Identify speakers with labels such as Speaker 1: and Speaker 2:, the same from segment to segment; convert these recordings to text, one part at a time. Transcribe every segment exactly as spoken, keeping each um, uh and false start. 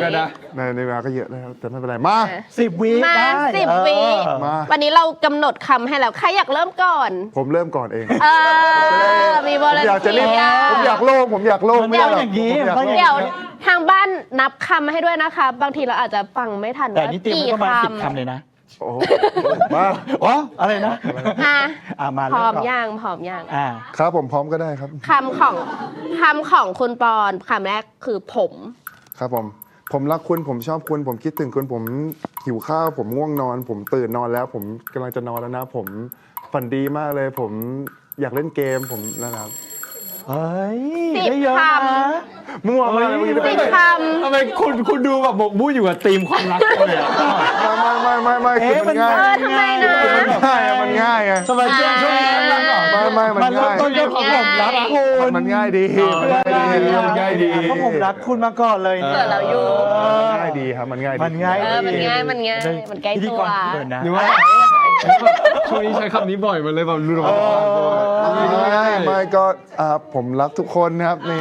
Speaker 1: กันนะ
Speaker 2: ในในเวลาก็เยอะแล้วแต่ไม่เป็นไรมา
Speaker 3: สิบวิ
Speaker 4: มา
Speaker 3: ได้
Speaker 4: สิบวิวันนี้เรากำหนดคำให้แล้วใครอยากเริ่มก่อน
Speaker 2: ผมเริ่มก่อนเอง
Speaker 4: เออมีบอล
Speaker 2: อยากจะเล่นผมอยากโล่งผมอยากโล่งไม่ได้หรอก
Speaker 3: อย่างนี้
Speaker 4: เดี๋ยวทางบ้านนับคำให้ด้วยนะคะบางทีเราอาจจะฟังไม่ทัน
Speaker 3: แต่นี่เตรียม
Speaker 4: กี่
Speaker 3: ประมาณสิบ
Speaker 4: คำ
Speaker 3: คำเลยนะ
Speaker 2: โอ้มา
Speaker 3: อ๋ออะไรนะ
Speaker 4: อ่ะ
Speaker 3: อ่ามา
Speaker 4: พร้อม
Speaker 3: เก่น
Speaker 4: ย่างพร้อมย่าง
Speaker 3: อ่า
Speaker 2: ครับผมพร้อมก็ได้ครับ
Speaker 4: คำของคำของคุณปอนคำแรกคือผม
Speaker 2: ครับผมผมรักคุณผมชอบคุณผมคิดถึงคุณผมหิวข้าวผมง่วงนอน ผมตื่นนอนแล้ว ผมกำลังจะนอนแล้วนะ ผมฝันดีมากเลย ผมอยากเล่นเกมผมนะครับ
Speaker 3: เฮ้ย
Speaker 4: สิบ
Speaker 3: ได้เยอะ
Speaker 4: ค
Speaker 3: นะ
Speaker 2: มั่วมากเลย
Speaker 4: ำสิบค
Speaker 1: ทำไมคุณคุณดูแบบหมกมุ่นอยู่กับธีมความรักเลยอะ
Speaker 2: ไม่ไม่ไม่ไม่คือมันง่าย
Speaker 4: ำเออทำไมนะ
Speaker 2: มันง่ายอะมันง่ายไง
Speaker 3: ทำไมช่วงช่วงนี้มันรักก่อน
Speaker 2: ไม่ไม่มัน
Speaker 3: มันเริ่ม
Speaker 2: ง่าย
Speaker 3: ต้นด้วยของผมรักคุณ
Speaker 2: มันง่ายดี
Speaker 1: มันง่ายดี
Speaker 3: เพราะผมรักคุณมาก่อนเลย
Speaker 4: เกิดเราอยู่
Speaker 2: มันง่ายดีครับมันง่ายดี
Speaker 3: มันง่าย
Speaker 4: เออมันง่ายมันง่ายมันใกล้
Speaker 3: พิธี
Speaker 4: ตัว
Speaker 3: กรเกินนะ
Speaker 1: หรือว่าช่วงนี้ใช้คำนี้บ่อยมันเลยแบบรู้
Speaker 2: ง่ายไม่ก็อ่าผมรักทุกคนนะครับนี่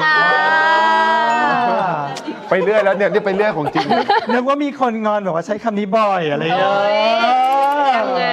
Speaker 2: ไปเรื่อยแล้วเนี่ยนี่ไปเรื่อยของจริง
Speaker 3: นึกว่ามีคนงอนแบบว่าใช้คำนี้บ่อยอะไรอย่างเงี้ย
Speaker 4: ยังไง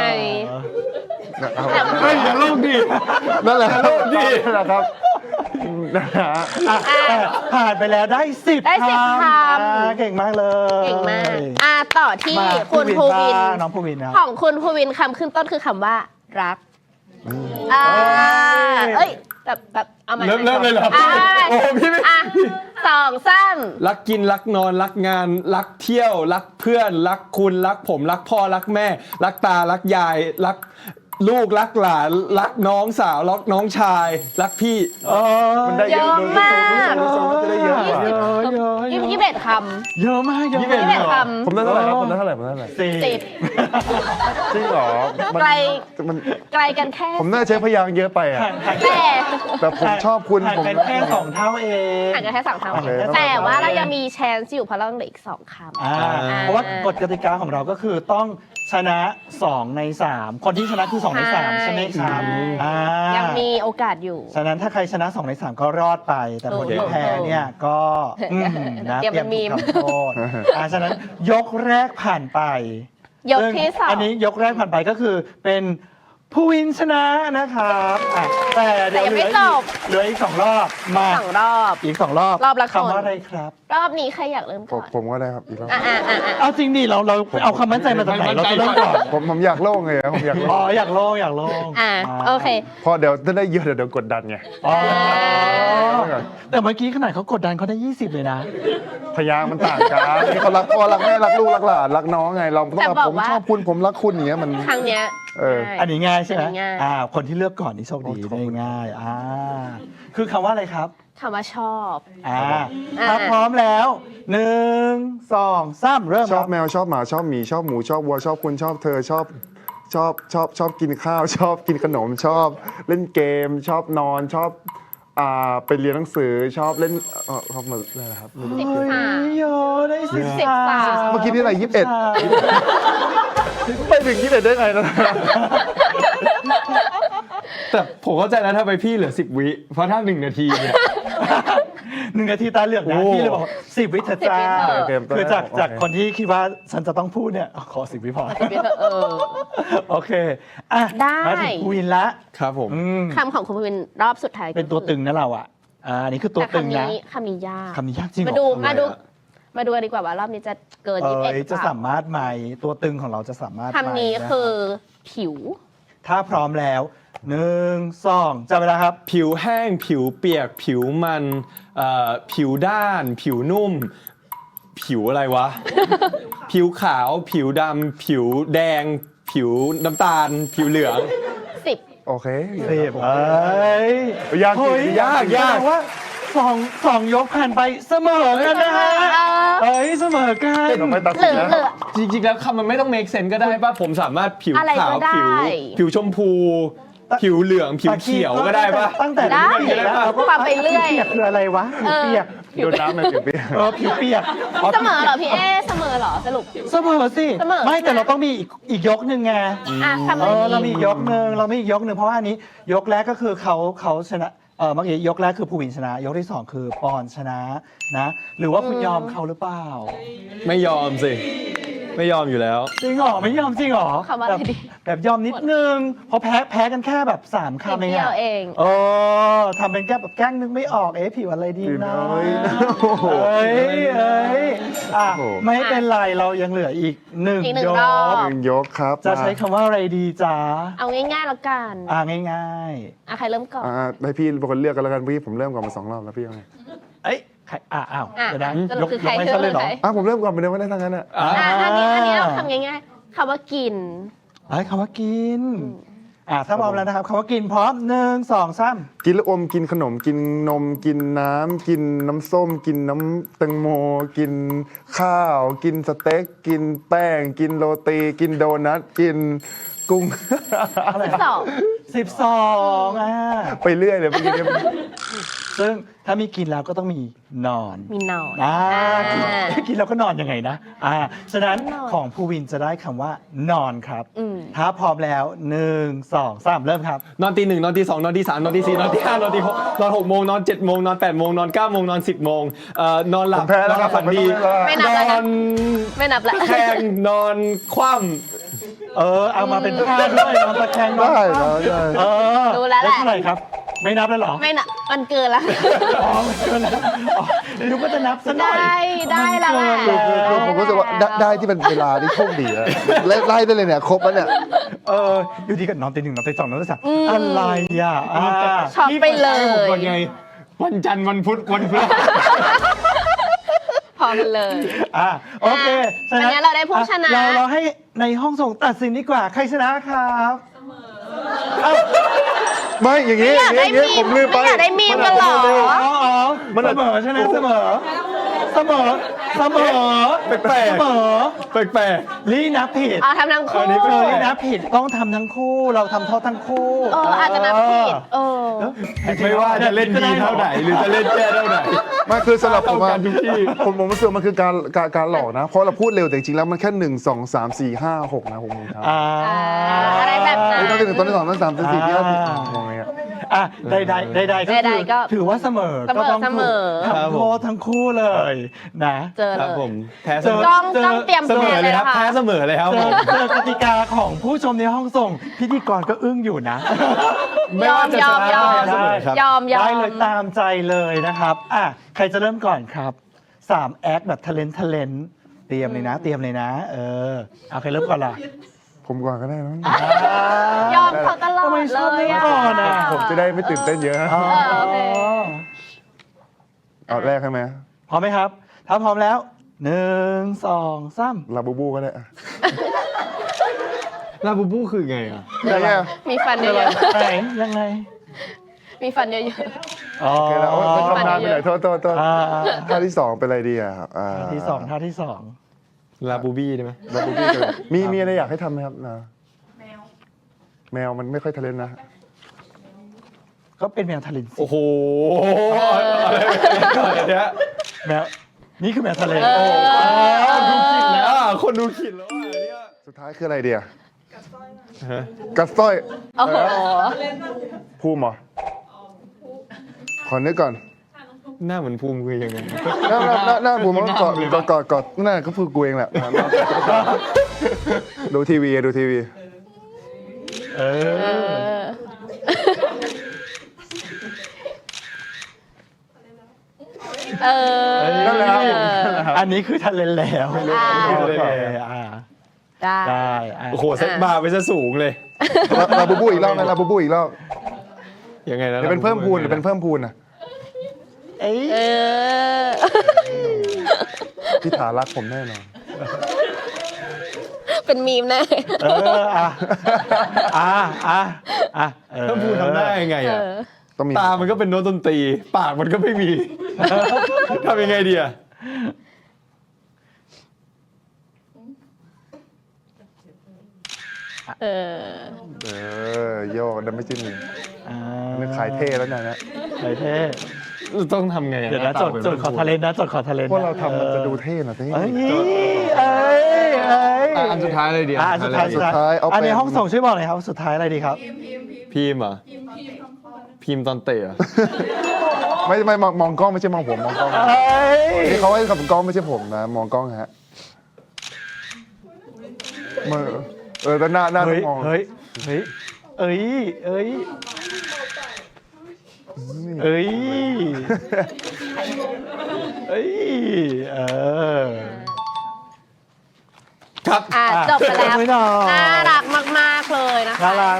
Speaker 1: เฮ้ยอย่าโลกดิ
Speaker 2: นั่นแหละครับนี่แหละครับนะฮะ
Speaker 3: อ่ะผ่านไปแล้วได้สิบ
Speaker 4: ได้สิบคำ
Speaker 3: อ่าเก่งมากเลย
Speaker 4: เก่งมากอ่ะต่อที่
Speaker 3: มา
Speaker 4: คุณภูวิน
Speaker 3: บ้างน้องภูวินนะ
Speaker 4: ของคุณภูวินคำขึ้นต้นคือคำว่ารักอ่าเอ้ยแบบแบบเอาใหม่
Speaker 1: เริ่มเริ่มเลยเหรอ
Speaker 4: อ่ะ
Speaker 1: โอ้พี่ไม่
Speaker 4: อ่ะสองสาม
Speaker 1: รักกินรักนอนรักงานรักเที่ยวรักเพื่อนรักคุณรักผมรักพ่อรักแม่ รักตารักยายรักลูกรักหลานรักน้องสาวรักน้องชายรักพี่
Speaker 2: มันได้เยอะดูดูดูดูมันจะได้เยอะกว่า
Speaker 3: เยอะเยอะ
Speaker 4: ยี่สิบเอ็ดค
Speaker 3: เยอะมากเยอะ
Speaker 4: ำยี่สิบเอ็ดค
Speaker 2: ผมได้เท่าไหร่ครับผมได้เท่าไหร่ผมได้เท่าไหร่
Speaker 3: สี่
Speaker 4: ำสิบ
Speaker 2: จริงเหรอมัน
Speaker 4: ไกล
Speaker 2: มัน
Speaker 4: ไกลกันแค่
Speaker 2: ผมน่าใช้พยางค์เยอะไปอ่ะ
Speaker 3: ห่างห่าง
Speaker 4: แต่
Speaker 2: แต่ผมชอบคุณ
Speaker 3: ห่าง
Speaker 2: ผม
Speaker 3: กันแค่สองเท่าเอง
Speaker 4: ห่างกันแค่สองค
Speaker 3: โอเค
Speaker 4: ำแต่ว่าเรายังมีแชนซ์อยู่เพราะเราเหลืออีกสองคำ
Speaker 3: อ่าเพราะว่ากฎกติกาของเราก็คือต้องชนะสองในสามคนที่ชนะคือสองในสามใช่ไหมครับอ่า
Speaker 4: ยังมีโอกาสอยู่
Speaker 3: ฉะนั้นถ้าใครชนะสองในสามก็รอดไป แต่คนที่แพ้เนี่ยก็อืมนะ
Speaker 4: เตรียมเป็นมีม
Speaker 3: ถูกทำโทษอ่าฉะนั้นยกแรกผ่านไป
Speaker 4: ยกที่สอง
Speaker 3: อันนี้ยกแรกผ่านไปก็คือเป็นผู้วินชนะนะครับอ่ะแต่เดี๋ยวเหลืออีกเหลืออีกสองรอบมา
Speaker 4: สองรอบ
Speaker 3: อีกสองรอบ
Speaker 4: รอบละคน
Speaker 3: คำว่าอะไรครับ
Speaker 4: รอบนี้ใครอยากเริ่ม
Speaker 2: ผ
Speaker 4: ก่
Speaker 2: ม
Speaker 4: อน
Speaker 2: ผมก็ได้ครับอีกรอบ
Speaker 4: อ่ะอ่ะอ่ะอ่ะ
Speaker 3: เอาจริงดิเราเราเอาความมั่นใจมาจากไหนเราจะเริ่มก่อน
Speaker 2: ผมผมอยากโล่งเลยอะผมอยาก
Speaker 3: อ๋
Speaker 2: โล่
Speaker 3: อง อยากโล่งอยากโล่ง
Speaker 4: อ่ะโอเค
Speaker 2: พอเดี๋ยวถ้าได้เยอะเดี๋ยวเดี๋ยวกดดันไง
Speaker 3: อ๋อแต่เมื่อกี้ขนาดเขากดดันเขาได้ยี่สิบเลยนะ
Speaker 2: พยางค์มันต่างกันนี่เขารักพ่อรักแม่รักลูกรักหลานรักน้องไงเราต้อง
Speaker 4: แต่
Speaker 2: แบบ
Speaker 4: บอก
Speaker 2: ผม
Speaker 4: ว่า
Speaker 2: ชอบคุณผมรักคุณอย่างเงี้ยมัน
Speaker 4: ครั้งเนี้ย
Speaker 2: เออ
Speaker 4: ง่าย
Speaker 3: อันนี้ง่ายใช่ไหม
Speaker 4: อันนี้ง่าย
Speaker 3: อ่าคนที่เลือกก่อนนี่โชคดี
Speaker 2: โอ้ขอบ
Speaker 3: ได้
Speaker 2: คุณ
Speaker 3: ง่ายอ่าคือคำว่าอะไรครับ
Speaker 4: คำว่าชอบ
Speaker 3: อ่า
Speaker 4: อ่า
Speaker 3: ถ้าพร้อมแล้วหนึ่งสองสามเริ่ม
Speaker 2: ชอบ
Speaker 3: ครับ
Speaker 2: แมวชอบหมาชอบหมีชอบหมูชอบวัวชอบคุณชอบเธอชอบชอบชอบชอบกินข้าว ชอบกินขนมชอบเล่นเกม ชอบนอนชอบอ่าไปเรียนหนังสือชอบเล่นเออชอบมาอะไรนะครับไม่รู้
Speaker 4: สิบสาม
Speaker 3: โยได้สิบ
Speaker 4: สิบสาม
Speaker 2: เมื่อกี้นี่อะไรยี่สิบเอ็ดไปถึงยี่สิบเอ็ดได้ไงนะ
Speaker 1: แต่ผมเข้าใจแล้วทำไมพี่เหลือสิบวิเพราะถ้าหนึ่งนาทีเนี่ย
Speaker 3: หนึ่งนาทีตาเหลือกนะ
Speaker 1: โอ้
Speaker 3: พี่เลยบอกสิบวิเถอะจ้า
Speaker 2: โอเค
Speaker 3: คือจาก
Speaker 2: โอเค
Speaker 3: จากคนที่คิดว่าฉันจะต้องพูดเนี่ยขอสิบวิพอ
Speaker 4: เออ
Speaker 3: โอเคอ่ะ
Speaker 4: ได้
Speaker 3: มาถึงวินละ
Speaker 1: ครับผม
Speaker 3: อืม
Speaker 4: คำของคุณภูวินรอบสุดท้าย
Speaker 3: เป็นตัวตึงนะเราอ่ะอ่าอันนี้คือตัว
Speaker 4: แต่
Speaker 3: ตึง
Speaker 4: คำ
Speaker 3: นะ
Speaker 4: นี้คำนี้ยาก
Speaker 3: คำนี้ยากจริงเหรอ
Speaker 4: มาดู
Speaker 3: อะไร
Speaker 4: มาดู
Speaker 3: อะ
Speaker 4: มาดูกันดีกว่าว่ารอบนี้จะเกิน
Speaker 3: เอ
Speaker 4: ยี่สิบเอ็ด
Speaker 3: ย
Speaker 4: หรือ
Speaker 3: จะ
Speaker 4: เปล่า
Speaker 3: สามารถไหมตัวตึงของเราจะสามารถไหม
Speaker 4: คำนี้
Speaker 3: ะ
Speaker 4: คือผิว
Speaker 3: ถ้าพร้อมแล้วหนึ่งสองจับเวลาครับ
Speaker 1: ผิวแห้งผิวเปียก ผิวมันเอ่อผิวด้าน ผิวนุ่ม ผิวอะไรวะ ผิวขาวผิวดำผิวแดง ผิวน้ำตาล ผิวเหลือง
Speaker 4: สิบ
Speaker 2: โอเค
Speaker 3: สิบเอ้ย
Speaker 2: ยากจริง
Speaker 3: เฮ้ย
Speaker 2: ยาก
Speaker 3: ยากว่าสองสองยกผ่านไปเสมอกันนะฮะเอ้ยเสมอกัน
Speaker 2: เราไปตัด
Speaker 4: เห
Speaker 2: สิ
Speaker 4: ลื
Speaker 2: น
Speaker 4: อ
Speaker 2: นะ
Speaker 4: เหลือ
Speaker 1: จริงๆแล้วคำมันไม่ต้อง make sense ก็ได้ป่ะ ผมสามารถผิว
Speaker 4: อะไร
Speaker 1: ขาว
Speaker 4: ก็ได้
Speaker 1: ผิว ผิวชมพู ผิวเหลือง ผิวเขียวก็ได้ป่ะ
Speaker 3: ตั้งแต่
Speaker 4: ได้
Speaker 3: เด็กๆแล้วเราก็
Speaker 4: ความไปเรื่อย
Speaker 3: ผิวเปียกคืออะไรวะผิวเปียก
Speaker 2: โดนน้ำในผิวเปียก
Speaker 3: เออผิวเปียก
Speaker 4: เสมอเหรอพี่เอเสมอเหรอสรุป
Speaker 3: เสมอสิ
Speaker 4: เสมอ
Speaker 3: ไม่แต่เราต้องมีอีกอีกยกหนึ่งไง
Speaker 4: อ่ะคำ
Speaker 3: เออเรามี
Speaker 4: นี้
Speaker 3: อีกยกหนึ่งเรามีอีกยกหนึ่งเพราะว่าอันนี้ยกแรกก็คือเขาเขาชนะเออเมื่อกี้ยกแรกคือภูวินชนะ ยกที่สองคือปอนชนะนะ หรือว่าคุณยอมเขาหรือเปล่า
Speaker 1: ไม่ยอมสิ ไม่ยอมอยู่แล้ว
Speaker 3: จริงเหรอไม่ยอมจริงเหรอ
Speaker 4: คำว่าอะไร
Speaker 3: แบบ
Speaker 4: ดี
Speaker 3: แบบยอมนิดนึงเพราะแพ้แพ้กันแค่แบบสามคำเอง
Speaker 4: นิดเดียว
Speaker 3: อะ
Speaker 4: เอง
Speaker 3: เออทำเป็นแก้แบบแกล้งนึกไม่ออกเอ๊ะผิวอะไรดี
Speaker 2: ผิว
Speaker 3: นะ
Speaker 2: น้อยโอ้โห
Speaker 3: เอ้ยเอ้ยอ่ะ
Speaker 2: โอ้โห
Speaker 3: ไม่เป็นไรเรายังเหลืออีกหนึ่ง
Speaker 4: อีกหนึ่ง
Speaker 3: ย
Speaker 4: รอบ
Speaker 3: ก
Speaker 2: หนึ่งยกครับ
Speaker 3: จะใช้คำว่าอะไรดีจ๊ะ
Speaker 4: เอาง่ายๆแล้วกัน
Speaker 3: อ่าง่าย
Speaker 4: อ่ะใครเริ่มก่อน
Speaker 2: อ่าให้พี่เป็นคนเลือกกันแล้วกันพี่ผมเริ่มก่อนมาสองรอบแล้วพี่เอาไง
Speaker 3: ๆ เอ้ยใครอ่ะอ้าว
Speaker 4: อ่ะ
Speaker 3: เดี๋ยวนะ
Speaker 4: สรุ
Speaker 3: ย
Speaker 4: ป
Speaker 3: ก
Speaker 4: คือย ใคร
Speaker 3: กไม่ซะเลยเหรอ
Speaker 4: ใคร
Speaker 2: อ่ะผมเริ่มก่อนไปเลยไม่ได้ทั้งนั้นอ่ะ
Speaker 1: อ่ะ
Speaker 4: อ่ะอันนี้อันนี้เราทำง่ายๆคำว่ากิน
Speaker 3: เอ้ยคำว่ากินอ่ะถ้าพร้อมแล้วนะครับคำว่ากินพร้อมหนึ่งสองสาม
Speaker 2: กินลูกอมกินขนมกินนมกินน้ำกินน้ำส้ม กินน้ำแตงโม กินข้าว กินสเต็กกินแป้ง กินโรตีกินโดนัทกินกุ้ง
Speaker 4: สอง
Speaker 3: สิบสองอ่ะ
Speaker 2: ไปเรื่อยเลยเมื่อกี้เนี่ย
Speaker 3: ซึ่งถ้ามีกินแล้วก็ต้องมีนอน
Speaker 4: มีนอน
Speaker 3: อ่า
Speaker 4: อ่า
Speaker 3: กินกินแล้วก็นอนยังไงนะอ่าฉะนั้น
Speaker 4: นอน
Speaker 3: ของภูวินจะได้คำว่านอนครับ
Speaker 4: อืม
Speaker 3: ถ้าพร้อมแล้วหนึ่งสองสามเริ่มครับ
Speaker 1: นอนตีหนึ่งนอนตีสองนอนตีสามนอนตีสี่นอนตีห้านอนตีหกนอนหกโมงนอนเจ็ดโมงนอนแปดโมงนอนเก้าโมงนอนสิบโมงเอ่อนอนหลั
Speaker 2: ผ
Speaker 1: บ
Speaker 2: มแพ้
Speaker 1: น
Speaker 2: แล้
Speaker 1: อ
Speaker 2: วน ค
Speaker 1: ห
Speaker 2: รั
Speaker 1: ลั
Speaker 2: บบ ผม
Speaker 1: ฝัน
Speaker 2: ไม่
Speaker 1: ดี
Speaker 2: ต้องเล่นแล้ว
Speaker 4: ไม่นับ
Speaker 1: น
Speaker 4: แล้ว
Speaker 1: อ
Speaker 4: นะ
Speaker 1: น
Speaker 4: ไม่นับละ
Speaker 1: แข่งนอนคว่
Speaker 3: เออเอามาเป็นท่าด้วยนอนตะแคงนอน
Speaker 2: ได้แล้วได้
Speaker 3: เออ
Speaker 4: รู้แล้วแหละ
Speaker 3: เท่าไหร่ครับ ไม่นับแล้วเหรอ
Speaker 4: ไม่นับมันเกินละ
Speaker 3: อ๋อไม่เกินแล้วอ๋อเดี๋ยวก็จะนับซะหน่อย
Speaker 4: ได้ได้แล้วแหละ
Speaker 3: มันเกิน
Speaker 2: คือผมรู้สึกว่าได้ได้ที่เป็นเวลาที่โชคดีแล้วไล่ไล่ได้เลยเนี่ยครบแล้วเนี่ย
Speaker 3: เอออยู่ดีก็นอนตีหนึ่งนอนตีสองนอนตีสามอะไรอ่ะอ่า
Speaker 4: ช็อปไปเล
Speaker 1: ำผม
Speaker 4: ย
Speaker 1: ก่อนไง วันจันทร์วันพุธวันพฤหัส
Speaker 4: พอกันเลย
Speaker 3: อ่ะโอเค
Speaker 4: อ่ะวันนี้เราได้ผู้ชนะ
Speaker 3: เราเราให้ในห้องส่งตัดสินดีกว่า ใครชนะครับเอ้า
Speaker 2: ไม่อย่างนี้
Speaker 4: ไม่อยากได้
Speaker 2: อย่างนี้
Speaker 4: มีม
Speaker 2: ผมลืมไป
Speaker 4: ไม่อยากได้มีมกันเหรอ
Speaker 3: อ๋ออ๋อมันเสมอใช่ไหมเสมอ เสมอ เสมอ
Speaker 1: แปลกๆ
Speaker 3: เสมอ
Speaker 1: แปลก
Speaker 3: ลี่นับผิด
Speaker 4: เอาทำทั้งคู่
Speaker 1: อันนี้
Speaker 3: เอ
Speaker 1: เป็น
Speaker 3: อลี่นับผิดต้องทำทั้งคู่ เราทำโทษทั้งคู่
Speaker 4: เอออาจจะนับผิดเออ
Speaker 1: ๆไม่ว่าจะเล่นดีเท่าไหนหรือจะเล่นแย่เท่าไหน
Speaker 2: ไมาคือสำหรับผมว่า
Speaker 1: เท่ากันทุกที่
Speaker 2: ผมผมรู้สึกว่ามันคือการการการหลอกนะ เพราะเราพูดเร็วแต่จริงๆแล้วมันแค่หนึ่งสองสามสี่ห้าหกนะผมงงครับ
Speaker 3: อ่า
Speaker 4: อะไรแบบนั้น
Speaker 2: ไอ้ตอนที่หนึ่งตอนที่สองตอนที่สามตอนที่สี่ที่ห้าที่งงไงอะ
Speaker 3: อ่ะใดใดใดใดๆก็
Speaker 4: ใด
Speaker 3: คือ
Speaker 4: ๆก็
Speaker 3: ถือว่าเสมอ
Speaker 4: เสมอ
Speaker 3: ก็ต้อง
Speaker 4: เสมอ
Speaker 3: ถูกทำโทษทั้งคู่เลยนะ
Speaker 4: เจอ
Speaker 1: ค
Speaker 4: เล
Speaker 1: รับผ
Speaker 4: ย
Speaker 1: มแพ้เส
Speaker 3: เจ
Speaker 1: ม
Speaker 3: อ
Speaker 1: อ
Speaker 4: ต้องต้องเตรียม
Speaker 1: เสมอ
Speaker 4: ตัว
Speaker 1: เลยครับ
Speaker 4: นะะ
Speaker 1: แพ้เสมอเลยครับ
Speaker 3: เจ
Speaker 1: ผ
Speaker 3: อ
Speaker 1: ม
Speaker 3: เจอกติกาของผู้ชมในห้องส่ง พิธีกรก็อึ้งอยู่นะ
Speaker 1: ไม่ว่าจะชนะ
Speaker 4: ยอม
Speaker 1: ก็แพ้เสมอครับ
Speaker 4: ยอมยอม
Speaker 3: ได้เลยตามใจเลยนะครับอ่ะใครจะเริ่มก่อนครับสามแอคแบบทะเลนทะเลนเตรียมเลยนะ เตรียมเลยนะ เออเอาใครเริ่มก่อนล่ะ
Speaker 2: ผมก่อนก็ได้นะ
Speaker 4: ยอมเขาตลอด
Speaker 3: ทำไมช
Speaker 4: เล
Speaker 3: อบ
Speaker 4: ย
Speaker 3: เล่น
Speaker 4: อะ
Speaker 3: ก่อนอะ
Speaker 2: ผมจะได้ไม่ตื่นเต้นเยอะ
Speaker 3: อ๋อ
Speaker 4: โอเค
Speaker 2: เอาแรกใช่ไหม
Speaker 3: พร้อมไหมครับ ถ้าพร้อมแล้วหนึ่งสองสาม
Speaker 2: ลาบูบูก็ได้อะ
Speaker 1: ลาบูบูคือไงอ่ะ
Speaker 2: ยังไงอะ
Speaker 4: มีฟันเยอะ
Speaker 3: ไหนยังไง
Speaker 4: ๆมีฟันเยอะ
Speaker 3: อ๋อ
Speaker 2: โอเคแล้วโอ๊ยไม่ทำนานไปหน่อยโทษโทษโทษ
Speaker 3: อ่า
Speaker 2: ท่าที่สองเป็นอะไรดีอ่ะครับอ่า
Speaker 3: ท่าที่สองท่าที่สอง
Speaker 1: ลาบูบี้ได้ไหม
Speaker 2: ลาบูบูกันมีมีอะไรอยากให้ทำไหมครับนะแมวแมวมันไม่ค่อยทะเลนนะ
Speaker 3: ก็เป็นแมวทะเลนสิ
Speaker 1: โอ้โหอะไรเนี่ย
Speaker 3: แมวนี่คือแมวทะเล
Speaker 4: เออ
Speaker 1: ดูขิดแล้วอ่ะคนดูขิดแล้วอ่ะเนี่ย
Speaker 2: สุดท้ายคืออะไรเดีย
Speaker 1: ฮะ
Speaker 2: กัดสร้อย
Speaker 4: โอ้โห
Speaker 2: ภูมิเหรอขอนึกก่อน
Speaker 1: หน้าเหมือนภูมิคือยังไง
Speaker 2: หน้าหน้าหน้าหน้าภูมิมันก็กอดกอดกอดหน้าก็คือกูเองแหละดูทีวีดูทีวี
Speaker 3: เอ
Speaker 4: เอ
Speaker 3: อ
Speaker 4: อ เออ
Speaker 2: นั่นแหละครับ
Speaker 3: อันนี้คือทะเลนแล้ว
Speaker 4: อ่า
Speaker 3: โอเคอ่า
Speaker 4: ได้
Speaker 3: ได้อ่ะ
Speaker 1: โอ้โหเซ็ตบาร์ไปซะสูงเลย
Speaker 2: ลาบูบูอีกรอบไหมลาบูบูอีกรอบ
Speaker 1: ยังไงนะ
Speaker 2: เดี๋ยวเป็นเพิ่มพูนหรือเป็นเพิ่มพูนอ่ะ
Speaker 3: เอ้ย
Speaker 4: เออ
Speaker 2: พี่ถารักผมแน่นอน
Speaker 4: เป็นมีมแน่
Speaker 3: เอออ่ะอ่ะอ่ะอ่ะเออ
Speaker 1: เพิ่มพูนทำได้ยังไง
Speaker 4: เอ
Speaker 1: อ่ะ
Speaker 4: อ
Speaker 2: ต้องมี
Speaker 1: ตามันก็เป็นโน้ตดนตรี ปากมันก็ไม่มี ทำยังไงดีอ่ะ
Speaker 4: เออ
Speaker 2: เออโยกดันไม่จิ้ม
Speaker 3: อ่า
Speaker 2: นึกขายเท่แล้วเนี่ยนะ
Speaker 3: ขายเท่
Speaker 1: ต้องทำไงอ่ะ
Speaker 3: เดี๋ยวนะจดจดขอทะเลนนะจดขอทะเลน
Speaker 2: พวกเราทำมันจะดูเท่หน่อยเท่
Speaker 3: เอ้ยเอ้ยเอ้ย
Speaker 1: อ่ะอันสุดท้ายเลยดี
Speaker 3: อ่ะสุดท้าย
Speaker 2: สุดท้ายเอา
Speaker 3: อันนี้
Speaker 2: เป็น
Speaker 3: ห้องส่งช่วยบอกหน่อยครับสุดท้ายอะไรดีครับ
Speaker 1: พิมพ์เหรอพิมพ์ตอนเตะอะ
Speaker 2: ไม่ไม่มองมองกล้องไม่ใช่มองผมมองกล้อง
Speaker 3: เอ้ย
Speaker 2: นี่เขาให้กับกล้องไม่ใช่ผมนะ มองกล้องฮะมือเออแต่หน้าหน้าต้
Speaker 3: เฮ้
Speaker 2: อย งมอง
Speaker 3: เฮ้ยเฮ้ยเอ้ยเอ้ยเอ้ยเอ้ยเออ
Speaker 1: ครับ
Speaker 4: อ่ะจบไปแล้ว
Speaker 3: ไม่หน่อย
Speaker 4: น่ารักมาก ๆ เลยนะคะ
Speaker 3: น่ารัก